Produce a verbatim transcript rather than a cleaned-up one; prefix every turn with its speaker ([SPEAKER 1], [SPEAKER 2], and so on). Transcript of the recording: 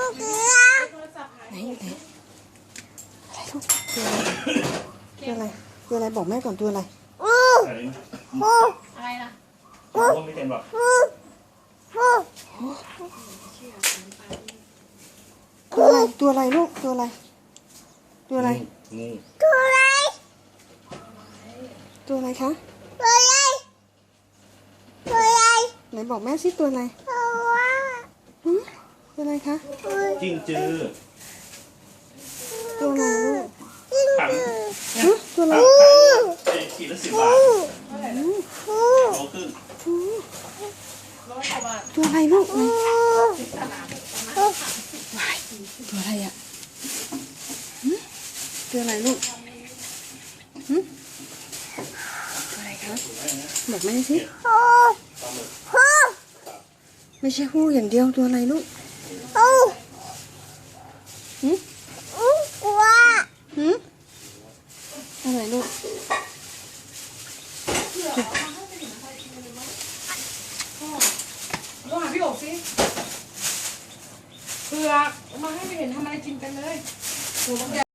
[SPEAKER 1] ไหนไหนอะไรลูกตัวอะไรตัวอะไรตัวอะไรบอกแม่ก่อนตัวอะไร
[SPEAKER 2] อะไรล่ะ
[SPEAKER 1] ตัวอะไรตัวอะไรลูกตัวอะไรตัวอะไรตัวอะไรตัวอะไรคะตัวอะไรตัวอะไรไหนบอกแม่สิตัวอะไรตัวอะไรคะ
[SPEAKER 3] จิ้งจือ
[SPEAKER 1] ตัวอะไรลูก
[SPEAKER 3] ถัง
[SPEAKER 1] ตัวอะไร
[SPEAKER 3] ขีดละสิบบาทโลครึ่ง
[SPEAKER 1] ตัวอะไรลูกตัวอะไรอ่ะตัวอะไรลูกตัวอะไรคะบอกแม่สิไม่ใช่หู้อย่างเดียวตัวอะไรลูกหืมหืมอะไรลูก
[SPEAKER 2] ลองหาพี่โอ๋สิเผือกมาให้ไปเห็นทำอะไรกินกันเลย